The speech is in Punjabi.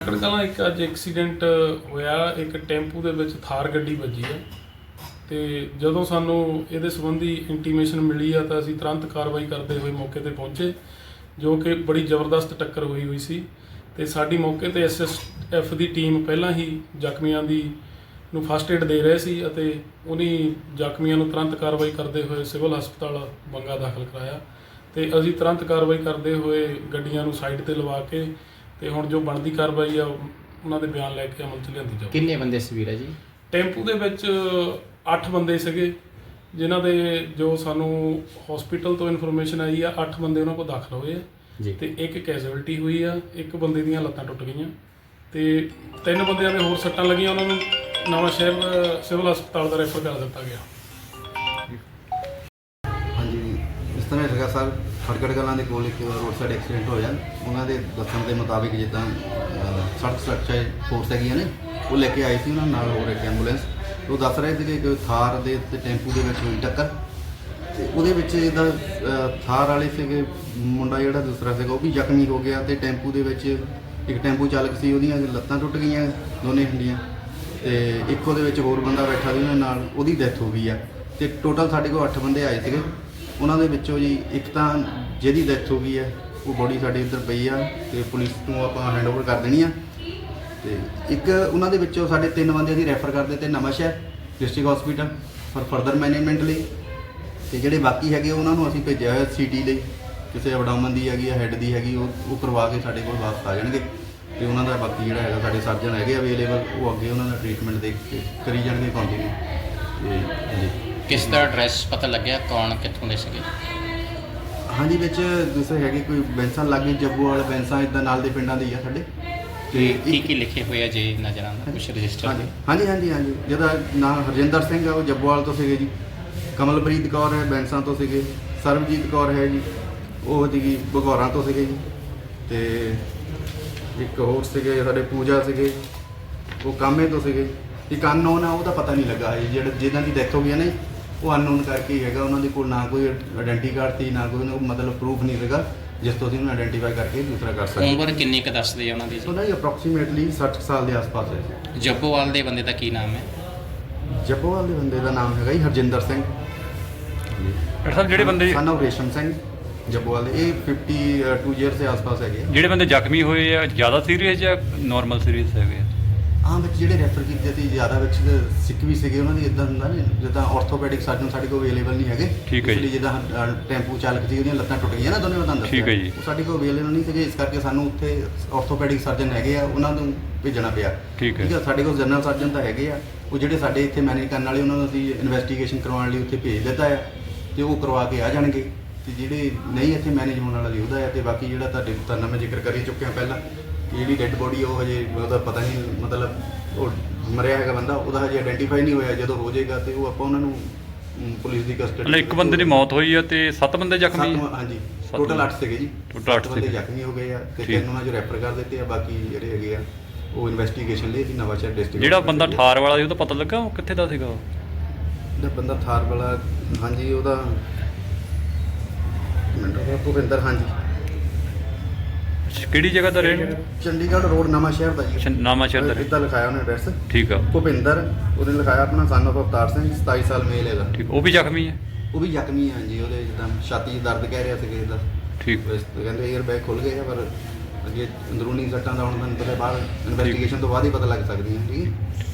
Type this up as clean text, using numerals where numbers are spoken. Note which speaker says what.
Speaker 1: ਕਲਾਂ ਇੱਕ ਅੱਜ ਐਕਸੀਡੈਂਟ ਹੋਇਆ। ਇੱਕ ਟੈਂਪੂ ਦੇ ਵਿੱਚ ਥਾਰ ਗੱਡੀ ਵੱਜੀ ਹੈ ਤੇ ਜਦੋਂ ਸਾਨੂੰ ਇਹਦੇ ਸੰਬੰਧੀ ਇੰਟੀਮੇਸ਼ਨ ਮਿਲੀ ਆ ਤਾਂ ਅਸੀਂ ਤੁਰੰਤ ਕਾਰਵਾਈ ਕਰਦੇ ਹੋਏ ਮੌਕੇ ਤੇ ਪਹੁੰਚੇ, ਜੋ ਕਿ ਬੜੀ ਜ਼ਬਰਦਸਤ ਟੱਕਰ ਹੋਈ ਸੀ ਤੇ ਸਾਡੀ ਮੌਕੇ ਤੇ ਐਸਐਸਐਫ ਦੀ ਟੀਮ ਪਹਿਲਾਂ ਹੀ ਜ਼ਖਮੀਆਂ ਨੂੰ ਫਸਟ ਏਡ ਦੇ ਰਹੇ ਸੀ ਅਤੇ ਉਹਨੀ ਜ਼ਖਮੀਆਂ ਨੂੰ ਤੁਰੰਤ ਕਾਰਵਾਈ ਕਰਦੇ ਹੋਏ ਸਿਵਲ ਹਸਪਤਾਲ ਬੰਗਾ ਦਾਖਲ ਕਰਾਇਆ ਤੇ ਅਸੀਂ ਤੁਰੰਤ ਕਾਰਵਾਈ ਕਰਦੇ ਹੋਏ ਗੱਡੀਆਂ ਨੂੰ ਸਾਈਡ ਤੇ ਲਵਾ ਕੇ ਤੇ ਹੁਣ ਜੋ ਬਣਦੀ ਕਾਰਵਾਈ ਆ ਉਹਨਾਂ ਦੇ ਬਿਆਨ ਲੈ ਕੇ ਅਮਲ 'ਚ ਲਿਆਂਦੀ ਜਾਊ।
Speaker 2: ਕਿੰਨੇ ਬੰਦੇ ਸੀ ਵੀਰਾ ਜੀ?
Speaker 1: ਟੈਂਪੂ ਦੇ ਵਿੱਚ 8 ਬੰਦੇ ਸੀਗੇ, ਜਿਨ੍ਹਾਂ ਦੇ ਜੋ ਸਾਨੂੰ ਹਸਪੀਟਲ ਤੋਂ ਇਨਫੋਰਮੇਸ਼ਨ ਆਈ ਆ 8 ਬੰਦੇ ਉਹਨਾਂ ਕੋਲ ਦਾਖਲ ਹੋਏ ਆ
Speaker 2: ਜੀ
Speaker 1: ਤੇ ਇੱਕ ਕੈਜੂਅਲਟੀ ਹੋਈ ਆ, ਇੱਕ ਬੰਦੇ ਦੀਆਂ ਲੱਤਾਂ ਟੁੱਟ ਗਈਆਂ ਤੇ 3 ਬੰਦਿਆਂ ਦੇ ਹੋਰ ਸੱਟਾਂ ਲੱਗੀਆਂ, ਉਹਨਾਂ ਨੂੰ ਨਵਾਂ ਸ਼ਹਿਰ ਸਿਵਲ ਹਸਪਤਾਲ ਦਾ ਰੈਫਰ ਕਰ ਦਿੱਤਾ ਗਿਆ।
Speaker 3: ਹਾਂਜੀ, ਇਸ ਤਰ੍ਹਾਂ ਹੈਗਾ ਸਰ, ਖਟਕੜ ਕਲਾਂ ਦੇ ਕੋਲ ਇੱਕ ਰੋਡ ਸਾਈਡ ਐਕਸੀਡੈਂਟ ਹੋਇਆ। ਉਹਨਾਂ ਦੇ ਦੱਸਣ ਦੇ ਮੁਤਾਬਿਕ ਜਿੱਦਾਂ ਸੜਕ ਸੁਰੱਖਿਆ ਫੋਰਸ ਹੈਗੀਆਂ ਨੇ, ਉਹ ਲੈ ਕੇ ਆਏ ਸੀ ਉਹਨਾਂ ਨਾਲ ਹੋਰ ਇੱਕ ਐਂਬੂਲੈਂਸ। ਉਹ ਦੱਸ ਰਹੇ ਸੀ ਕਿ ਥਾਰ ਦੇ ਤੇ ਟੈਂਪੂ ਦੇ ਵਿੱਚ ਹੋਈ ਟੱਕਰ ਤੇ ਉਹਦੇ ਵਿੱਚ ਇਹਦਾ ਥਾਰ ਵਾਲੇ ਸੀਗੇ ਮੁੰਡਾ ਜਿਹੜਾ ਦੂਸਰਾ ਸੀਗਾ ਉਹ ਵੀ ਜ਼ਖਮੀ ਹੋ ਗਿਆ ਤੇ ਟੈਂਪੂ ਦੇ ਵਿੱਚ ਇੱਕ ਟੈਂਪੂ ਚਾਲਕ ਸੀ, ਉਹਦੀਆਂ ਲੱਤਾਂ ਟੁੱਟ ਗਈਆਂ ਦੋਨੇ ਹੰਡੀਆਂ ਤੇ ਇੱਕ ਉਹਦੇ ਵਿੱਚ ਹੋਰ ਬੰਦਾ ਬੈਠਾ ਸੀ ਉਹਨਾਂ ਨਾਲ, ਉਹਦੀ ਡੈਥ ਹੋ ਗਈ ਆ ਤੇ ਟੋਟਲ ਸਾਡੇ ਕੋਲ 8 ਬੰਦੇ ਆਏ ਸੀਗੇ। ਉਹਨਾਂ ਦੇ ਵਿੱਚੋਂ ਜੀ ਇੱਕ ਤਾਂ ਜਿਹਦੀ ਡੈਥ ਹੋ ਗਈ ਹੈ ਉਹ ਬੋਡੀ ਸਾਡੇ ਇੱਧਰ ਪਈ ਆ ਤੇ ਪੁਲਿਸ ਨੂੰ ਆਪਾਂ ਹੈਂਡਓਵਰ ਕਰ ਦੇਣੀ ਆ ਤੇ ਇੱਕ ਉਹਨਾਂ ਦੇ ਵਿੱਚੋਂ ਸਾਡੇ 3 ਬੰਦੇ ਅਸੀਂ ਰੈਫਰ ਕਰ ਦਿੱਤੇ Nawan Shahar district hospital for further management ਲਈ ਤੇ ਜਿਹੜੇ ਬਾਕੀ ਹੈਗੇ ਉਹਨਾਂ ਨੂੰ ਅਸੀਂ ਭੇਜਿਆ ਹੋਇਆ ਸੀਟੀ ਲਈ, ਕਿਸੇ ਐਬਡੋਮਨ ਦੀ ਹੈਗੀ ਆ, ਹੈੱਡ ਦੀ ਹੈਗੀ, ਉਹ ਕਰਵਾ ਕੇ ਸਾਡੇ ਕੋਲ ਵਾਪਸ ਆ ਜਾਣਗੇ ਤੇ ਉਹਨਾਂ ਦਾ ਬਾਕੀ ਜਿਹੜਾ ਹੈਗਾ ਸਾਡੇ ਸਰਜਨ ਹੈਗੇ ਅਵੇਲੇਬਲ, ਉਹ ਅੱਗੇ ਉਹਨਾਂ ਦਾ ਟ੍ਰੀਟਮੈਂਟ ਦੇਖ ਕੇ ਕਰੀ ਜਾਣਗੇ ਕੰਟੀਨਿਊ। ਤੇ ਜੀ
Speaker 2: ਕਿਸ ਦਾ ਐਡਰੈਸ ਪਤਾ ਲੱਗਿਆ, ਕੌਣ ਕਿੱਥੋਂ ਦੇ ਸੀਗੇ?
Speaker 3: ਹਾਂਜੀ, ਵਿੱਚ ਦੂਸਰੇ ਹੈਗੇ ਕੋਈ ਬੈਂਸਾਂ ਲਾਗੇ ਜੱਬੂਵਾਲ ਬੈਂਸਾਂ ਇੱਦਾਂ ਨਾਲ ਦੇ ਪਿੰਡਾਂ ਦੇ ਹੀ ਆ ਸਾਡੇ।
Speaker 2: ਤੇ ਕੀ ਲਿਖੇ ਹੋਏ ਆ ਜੀ ਨਜ਼ਰ ਆਉਂਦਾ ਕੁਛ ਰਜਿਸਟਰ?
Speaker 3: ਹਾਂਜੀ ਜਿਹਦਾ ਨਾਮ ਹਰਜਿੰਦਰ ਸਿੰਘ ਆ ਉਹ ਜੱਬੂਵਾਲ ਤੋਂ ਸੀਗੇ ਜੀ, ਕਮਲਪ੍ਰੀਤ ਕੌਰ ਹੈ ਬੈਂਸਾਂ ਤੋਂ ਸੀਗੇ, ਸਰਬਜੀਤ ਕੌਰ ਹੈ ਜੀ ਉਹ ਸੀਗੀ ਬਘੌਰਾਂ ਤੋਂ ਸੀਗੇ ਜੀ ਤੇ ਇੱਕ ਹੋਰ ਸੀਗੇ ਸਾਡੇ ਪੂਜਾ ਸੀਗੇ ਉਹ ਕਾਮੇ ਤੋਂ ਸੀਗੇ। ਇੱਕ ਅਨਨੋਨ ਆ ਉਹਦਾ ਪਤਾ ਨਹੀਂ ਲੱਗਾ ਹੈ ਜਿਹਨਾਂ ਦੀ ਡੈਥ ਹੋ ਗਈ ਨੇ, ਉਹ ਅਨਨੋਨ ਕਰਕੇ ਹੀ ਹੈਗਾ। ਉਹਨਾਂ ਦੇ ਕੋਲ ਨਾ ਕੋਈ ਆਇਡੈਂਟੀ ਕਾਰਡ ਸੀ ਨਾ ਕੋਈ ਮਤਲਬ ਪ੍ਰੂਫ ਨਹੀਂ ਸੀਗਾ ਜਿਸ ਤੋਂ ਅਸੀਂ ਉਹਨੂੰ ਆਇਡੈਂਟੀਫਾਈ ਕਰਕੇ ਦੂਸਰਾ ਕਰ ਸਕਦੇ।
Speaker 2: ਉਮਰ ਕਿੰਨੀ ਕੁ ਦੱਸਦੇ ਆ ਉਹਨਾਂ ਦੀ?
Speaker 3: ਉਹਨਾਂ ਦੀ ਅਪਰੋਕਸੀਮੇਟਲੀ 60 ਸਾਲ ਦੇ ਆਸ-ਪਾਸ ਹੈ।
Speaker 2: ਜੱਬੋਵਾਲ ਦੇ ਬੰਦੇ ਦਾ ਕੀ ਨਾਮ ਹੈ?
Speaker 3: ਜੱਬੋਵਾਲ ਦੇ ਬੰਦੇ ਦਾ ਨਾਮ ਹੈਗਾ ਜੀ ਹਰਜਿੰਦਰ ਸਿੰਘ।
Speaker 4: ਡਾਕਟਰ ਸਾਹਿਬ ਜਿਹੜੇ ਬੰਦੇ
Speaker 3: ਸਨ ਆਫ ਰੇਸ਼ਮ ਸਿੰਘ ਜੱਬੋਵਾਲ ਦੇ, ਇਹ 52 ਈਅਰ ਦੇ ਆਸ-ਪਾਸ ਹੈਗੇ।
Speaker 4: ਜਿਹੜੇ ਬੰਦੇ ਜ਼ਖਮੀ ਹੋਏ ਆ ਜ਼ਿਆਦਾ ਸੀਰੀਅਸ ਜਾਂ ਨਾਰਮਲ ਸੀਰੀਅਸ ਹੈਗੇ ਆ?
Speaker 3: ਵਿੱਚ ਜਿਹੜੇ ਰੈਫਰ ਕੀਤੇ ਸੀ ਜ਼ਿਆਦਾ ਵਿੱਚ ਸਿੱਖ ਵੀ ਸੀਗੇ, ਉਹਨਾਂ ਦੀ ਇਦਾਂ ਹੁੰਦਾ ਨੇ ਜਿੱਦਾਂ ਆਰਥੋਪੈਡਿਕ ਸਰਜਨ ਸਾਡੇ ਕੋਲ ਅਵੇਲੇਬਲ ਨਹੀਂ ਹੈਗੇ।
Speaker 4: ਠੀਕ ਹੈ ਜੀ।
Speaker 3: ਜਿੱਦਾਂ ਟੈਂਪੂ ਚਾਲਕ ਸੀ ਉਹਦੀਆਂ ਲੱਤਾਂ ਟੁੱਟ ਗਈਆਂ ਨਾ ਦੋਨੇ, ਮੈਂ
Speaker 4: ਠੀਕ ਹੈ ਜੀ।
Speaker 3: ਉਹ ਸਾਡੇ ਕੋਲ ਅਵੇਲੇਬਲ ਨਹੀਂ ਸੀਗੇ, ਇਸ ਕਰਕੇ ਸਾਨੂੰ ਉੱਥੇ ਆਰਥੋਪੈਡਿਕ ਸਰਜਨ ਹੈਗੇ ਆ ਉਹਨਾਂ ਨੂੰ ਭੇਜਣਾ ਪਿਆ।
Speaker 4: ਠੀਕ ਹੈ।
Speaker 3: ਸਾਡੇ ਕੋਲ ਜਨਰਲ ਸਰਜਨ ਤਾਂ ਹੈਗੇ ਆ, ਉਹ ਜਿਹੜੇ ਸਾਡੇ ਇੱਥੇ ਮੈਨੇਜ ਕਰਨ ਵਾਲੇ ਉਹਨਾਂ ਨੂੰ ਅਸੀਂ ਇਨਵੈਸਟੀਗੇਸ਼ਨ ਕਰਵਾਉਣ ਲਈ ਉੱਥੇ ਭੇਜ ਦਿੱਤਾ ਆ ਤੇ ਉਹ ਕਰਵਾ ਕੇ ਆ ਜਾਣਗੇ ਤੇ ਜਿਹੜੇ ਨਹੀਂ ਇੱਥੇ ਮੈਨੇਜ ਹੋਣ ਵਾਲਾ ਜੀ ਉਹਦਾ ਆ। ਤੇ ਬਾਕੀ ਜਿਹੜਾ ਤੁਹਾਡਾ ਮੈਂ ਜ਼ਿਕਰ ਕਰ ਹੀ ਚੁੱਕਿਆ ਪਹਿਲਾਂ ਕਿ ਜਿਹੜੀ ਡੈੱਡ ਬੋਡੀ ਉਹ ਹਜੇ ਉਹਦਾ ਪਤਾ ਨਹੀਂ, ਮਤਲਬ ਉਹ ਮਰਿਆ ਹੈਗਾ ਬੰਦਾ, ਉਹਦਾ ਹਜੇ ਆਇਡੈਂਟੀਫਾਈ ਨਹੀਂ ਹੋਇਆ। ਜਦੋਂ ਹੋ ਜਾਏਗਾ ਤੇ ਉਹ ਆਪਾਂ ਉਹਨਾਂ ਨੂੰ ਪੁਲਿਸ ਦੀ ਕਸਟਡੀ।
Speaker 4: ਮਤਲਬ ਇੱਕ ਬੰਦੇ ਦੀ ਮੌਤ ਹੋਈ ਆ ਤੇ 7 ਬੰਦੇ ਜ਼ਖਮੀ ਆ?
Speaker 3: ਹਾਂਜੀ, ਟੋਟਲ 8 ਸੀਗੇ ਜੀ।
Speaker 4: ਟੋਟਲ 8
Speaker 3: ਬੰਦੇ
Speaker 4: ਸੀਗੇ
Speaker 3: ਜ਼ਖਮੀ ਹੋ ਗਏ ਆ ਤੇ 3 ਉਹਨਾਂ ਜੋ ਰੈਫਰ ਕਰ ਦਿੱਤੇ ਆ, ਬਾਕੀ ਜਿਹੜੇ ਹੈਗੇ ਆ ਉਹ ਇਨਵੈਸਟੀਗੇਸ਼ਨ ਲਈ ਅਸੀਂ ਨਵਾਂ ਸ਼ਹਿਰ ਡਿਸਟ੍ਰਿਕਟ।
Speaker 4: ਜਿਹੜਾ ਬੰਦਾ ਠਾਰ ਵਾਲਾ ਸੀ ਉਹਦਾ ਪਤਾ ਲੱਗਾ ਉਹ ਕਿੱਥੇ ਦਾ ਸੀਗਾ?
Speaker 3: ਜਿਹੜਾ ਬੰਦਾ ਥਾਰ ਵਾਲਾ, ਹਾਂਜੀ ਉਹਦਾ ਭੁਪਿੰਦਰ, ਹਾਂਜੀ
Speaker 4: ਕਿਹੜੀ ਜਗ੍ਹਾ ਦਾ ਰਹਿਣ?
Speaker 3: ਚੰਡੀਗੜ੍ਹ ਰੋਡ ਨਵਾਂ ਸ਼ਹਿਰ ਦਾ ਜੀ।
Speaker 4: ਨਵਾਂ ਸ਼ਹਿਰ ਦਾ
Speaker 3: ਇੱਦਾਂ ਲਿਖਾਇਆ ਉਹਨੇ ਐਡਰੈਸ।
Speaker 4: ਠੀਕ ਆ।
Speaker 3: ਭੁਪਿੰਦਰ ਉਹਨੇ ਲਿਖਾਇਆ ਆਪਣਾ ਸਨ ਆਫ ਅਵਤਾਰ ਸਿੰਘ, 27 ਸਾਲ ਮੇਲ ਹੈਗਾ।
Speaker 4: ਠੀਕ, ਉਹ ਵੀ ਜ਼ਖਮੀ ਹੈ?
Speaker 3: ਉਹ ਵੀ ਜ਼ਖਮੀ ਹੈ ਜੀ, ਉਹਦੇ ਜਿੱਦਾਂ ਛਾਤੀ 'ਚ ਦਰਦ ਕਹਿ ਰਿਹਾ ਸੀ ਕਿਸੇ ਦਾ।
Speaker 4: ਠੀਕ।
Speaker 3: ਕਹਿੰਦੇ ਏਅਰ ਬੈਗ ਖੁੱਲ ਗਏ ਆ, ਪਰ ਅੱਗੇ ਅੰਦਰੂਨੀ ਸੱਟਾਂ ਦਾ ਹੁਣ ਮੈਨੂੰ ਪਤਾ ਬਾਅਦ ਇਨਵੈਸਟੀਗੇਸ਼ਨ ਤੋਂ ਬਾਅਦ ਹੀ ਪਤਾ ਲੱਗ ਸਕਦੀਆਂ। ਠੀਕ ਹੈ।